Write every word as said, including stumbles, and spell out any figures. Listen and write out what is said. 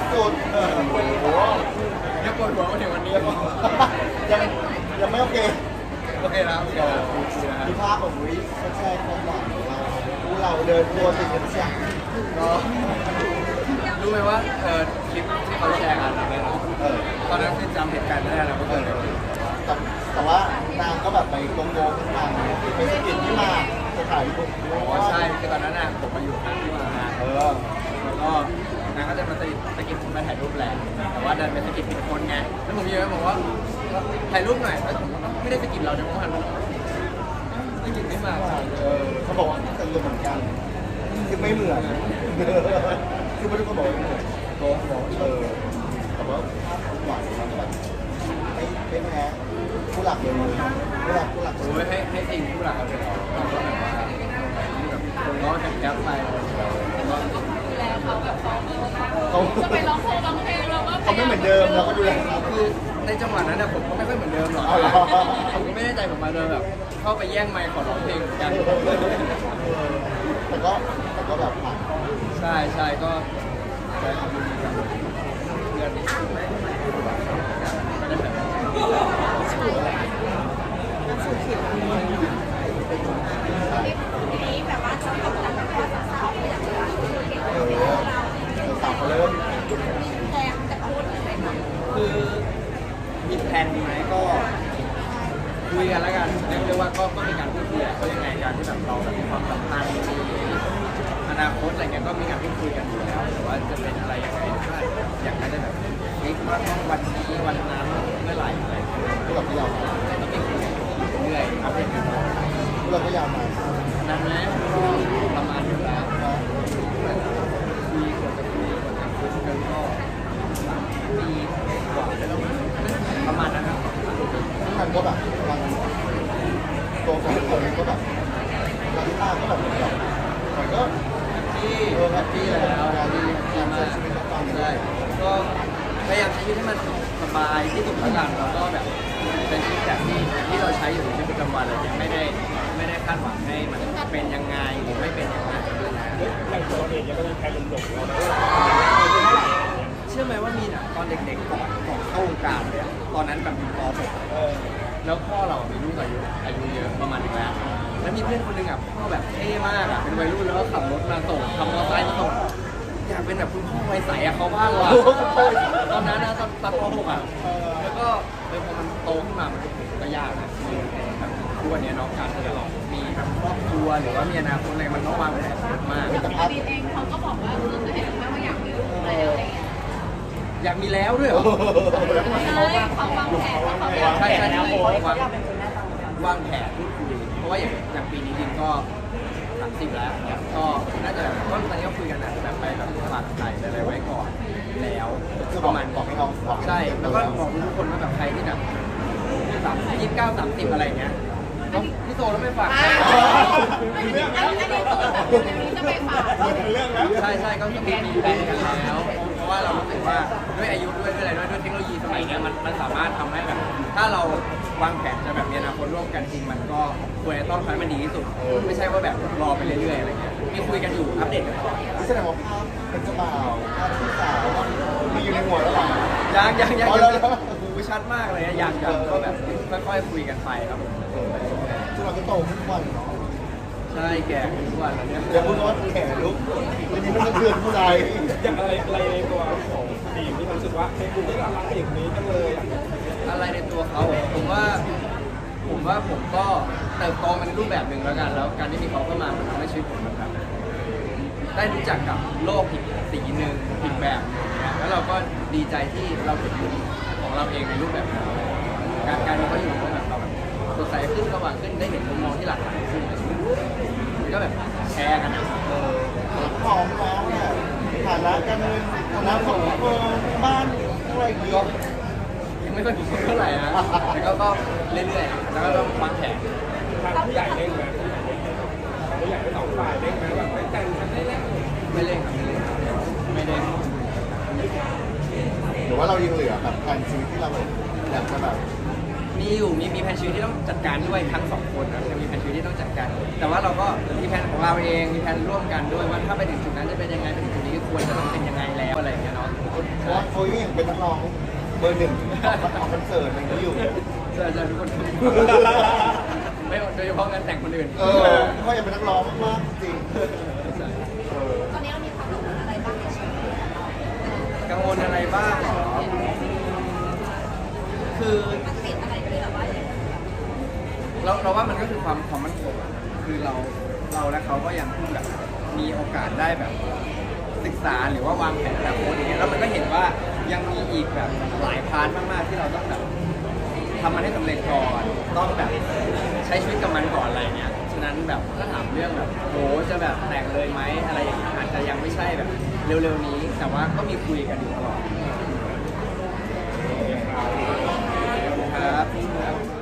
สุดเออโอ้โหยังปวดหัวมาถึงวันนี้ยังยังไม่โอเคโอเคแล้วเดี๋ยวดูนะมีภาพของวิเขาแชร์ความหวังของเราดูเราเดินตัวติดกันเชียงก็รู้ไหมว่าเออคลิปที่เขาแชร์กันอะไรนะเออตอนนั้นคือจำเหตุการณ์ไม่ได้แล้วเมื่อเอคือน แต่แต่ว่านางก็แบบไปโกงโกงขึ้นมาไปสะกิดที่มาจะถ่ายรูปอ๋อใช่คือตอนนั้นน่ะผมมาอยู่ข้างที่มาเออแล้วก็นางก็จะมาสกิดสกิดผมมาถ่ายรูปแหละแต่ว่าดันเป็นสกิดผิดคนไงแล้วผมยืนบอกว่าถ่ายรูปหน่อยแล้วผมก็ไม่ได้สกิดเราเดี๋ยวผมหันไปสกิดไม่มาเออเขาบอกว่าเป็นเหมือนกันคือไม่เหมือนคือไม่ทุกคนบอกว่าไม่เหมือนโกงบอกเออแต่ว่าภาพหวานมันแบบไม่ไม่แพ้ผู้หลักเลยผู้หลักผู้หลักโอ้ยให้ให้จริงผู้หลักเอาไปหรอเราก็แบบว่าแบบคนร้องแก๊ปไปแล้วเขาจะไปร้องเพลงร้องเพลงเราก็เขาไม่เหมือนเดิมเราก็ดูแลคือในจังหวะนั้นนะผมก็ไม่ค่อยเหมือนเดิมหรอกเอาเหรอผมก็ไม่ได้ใจผมมาเลยแบบเข้าไปแย่งไมค์ขอร้องเพลงเหมือนกันแต่ก็แต่ก็แบบผ่านใช่ใช่ก็แสดงความยินดีกับเพื่อนที่ก็ได้แบบทีนี้แบบว่าจะตกแต่งแบบว่าสาวๆอย่างเงี้ยเก่งเอเก่งอเราสาวเขาเริ่มแรงแต่พูดเลยค่ะคือมีแผนไหมก็คุยกันแล้วกันเรียกได้ว่าก็ก็มีการพูดคุยอะก็ยังไงการที่แบบเราแบบมีความสัมพันธ์อนาคตอะไรเงี้ยก็มีการพูดคุยกันอยู่แล้วแต่ว่าจะเป็นอะไรยังไงก็อยากให้ได้แบบคิดว่าต้องวันนี้วันนั้นเมื่อไหร่อะไรอย่างเงี้ยผู้หลักก็ยาวมาต้องมีคุยกันเรื่อยๆอัปเดตกันตลอดผู้หลักก็ยาวมานั้นนะก็ประมาณอยู่แล้วนะคุยคนจะคุยคนจะคุยกันก็สามปีกว่าแล้วประมาณนั้นครับซึ่งมันก็แบบมันตัวของคนก็แบบรักษาก็แบบเหมือนแบบมันก็ที่แฮปปี้แล้วแฮปปี้ดีมากใช่ก็พยายามใช้ชีวิตให้มันสบายที่สุดแล้วกันแล้วก็แบบเป็นชีวิตแบบที่ที่เราใช้อยู่ในชีวิตประจำวันเลยยังไม่ได้ไม่ได้คาดหวังให้มันเป็นยังไงหรือไม่เป็นยังไงนะอย่างตัวเองยังก็มีแค่หลงๆเราได้เชื่อไหมว่ามีน่ะตอนเด็กๆก่อนก่อนเข้าวงการเลยอะตอนนั้นแบบอยู่ป .หกเออแล้วพ่อเรามีลูกอายุอายุเยอะประมาณนึงแล้วแล้วมีเพื่อนคนหนึงอ่ะพ่อแบบเท่มากอ่ะเป็นวัยรุ่นแล้วก็ขับรถมาส่งขับมอเตอร์ไซค์มาส่งอยากเป็นแบบคุณพ่อวัยใสอ่ะเขาบ้างว่ะตอนนั้นนะตอนตอนป .หก อ่ะแล้วก็เออพอมันโตขึ้นมามันก็ยากนะแบบทุกวันนี้น้องการที่จะมีแบบครอบครัวหรือว่ามีอนาคตอะไรมันต้องวางแผนเยอะมากแต่ภาพบีเองเขาก็บอกว่าเออเห็นไหมว่าอยากมีลูกแล้วอะไรเงี้ยอยากมีแล้วด้วยเหรอเฮ้ยเขาวางแผนว่าเขาอยากใช่ใช่มีวางวางแผนพูดคุยเพราะว่าอย่างอย่างปีนี้จริงก็สามสิบแล้วก็น่าจะแบบก็ตอนนี้ก็คุยกันนะแบบไปแบบฝากไข่อะไรไว้ก่อนแล้วคือปบอกระมาณบอกให้เขาบอกใช่แล้วก็บอกทุกคนว่าแบบใครที่แบบสามยี่สิบเก้าสามสิบอะไรเงี้ยต้องพี่โตแล้วไม่ฝากใครอันนี้อันนี้จะไปฝากเรื่องแล้วใช่ใช่ก็มีมีแผนกันแล้ว เพราะว่าเรารู้สึกว่าด้วยอายุด้วยด้วยอะไรด้วยด้วยเทคโนโลยีสมัยเนี้ยมันมันสามารถทำให้แบบถ้าเราวางแผนจะแบบมีอนาคตร่วมกันจริงมันก็ควรจะต้องทำให้มันดีที่สุดไม่ใช่ว่าแบบรอไปเรื่อยๆอะไรเงี้ยมีคุยกันอยู่อัปเดตกันตลอดนี่แสดงว่าภาพเป็นเจ้าบ่าวภาพที่สาวมีอยู่ในหัวแล้วหรอยังยังยังอ๋อยังแล้วหูชัดมากเลยนะยังยังก็แบบค่อยๆคุยกันไปครับผมซึ่งเราก็โตขึ้นทุกวันเนาะใช่แก่ขึ้นทุกวันแล้วเนี่ยอย่าพูดว่าแก่ลุกวันนี้มันสะเทือนผู้ใดอย่างอะไรอะไรในตัวของทีมที่รู้สึกว่าเฮ้ยคุณได้รักอย่างนี้จังเลยอย่างนี้อะไรในตัวเขาผมว่า ผมว่าผมก็เติบโตมาในรูปแบบหนึ่งแล้วกัน แล้วการที่มีเขาเข้ามามันทำให้ชีวิตผมมันแบบได้รู้จักกับโลกอีกสีหนึ่งอีกแบบหนึงนะแล้วเราก็ดีใจที่เราเห็นมุมของเราเองในรูปแบบนั้นการการที่เขาอยู่กับแบบเราแบบสดใสขึ้นสว่างขึ้นได้เห็นมุมมองที่หลากหลายขึ้นมันก็แบบแชร์กันนะเออพร้อมแล้วเนี่ยฐานะการเงินฐานะครอบครัวบ้านอะไรอย่างเงี้ก็ยยังไม่ค่อยดีเท่าไหร่นะแต่ก็ก็เรื่อยๆแล้วก็ต้องวางแผนทางผู้ใหญ่เล่นไหมผู้ใหญ่ทั้งสองฝ่ายเล่นไหมแบบไม่แต่งกันได้แล้วไม่เล่นครับไม่เล่นไม่เล่นหรือว่าเรายังเหลือแบบแผนชีวิตที่เราอยากจะแบบมีอยู่มีมีแผนชีวิตที่ต้องจัดการด้วยทั้งสองคนนะจะมีแผนชีวิตที่ต้องจัดการ แต่ว่าเราก็มีแผนของเราเองมีแผนร่วมกันด้วยว่าถ้าไปถึงจุดนั้นจะเป็นยังไงไปถึงจุดนี้ควรจะต้องเป็นยังไงแล้วอะไรอย่างเงี้ยเนาะใช่เป็นนักร้องเบอร์หนึ่งของคอนเสิร์ตอะไรอย่างนี้อยู่ใช่ใช่ทุกคนไม่โดยเฉพาะงานแต่งคนอื่นเออก็ยังเป็นนักร้องมากจริงใช่เออตอนนี้เรามีความกังวลอะไรบ้างในชีวิตกังวลอะไรบ้างเหรอคือมันติดอะไรที่แบบว่าอย่างเราเราว่ามันก็คือความความมั่นคงอะคือเราเราและเขาก็ยังเพิ่งแบบมีโอกาสได้แบบศึกษาหรือว่าวางแผนอนาคตอย่างเงี้ยแล้วมันก็เห็นว่ายังมีอีกแบบหลายพาร์ทมากๆที่เราต้องแบบทำมันให้สำเร็จก่อนต้องแบบใช้ชีวิตกับมันก่อนอะไรเงี้ยฉะนั้นแบบถ้าถามเรื่องแบบโหจะแบบแต่งเลยไหมอะไรอย่างเงี้ยอาจจะยังไม่ใช่แบบเร็วๆนี้ แต่ว่าก็มีคุยกันอยู่ตลอดครับ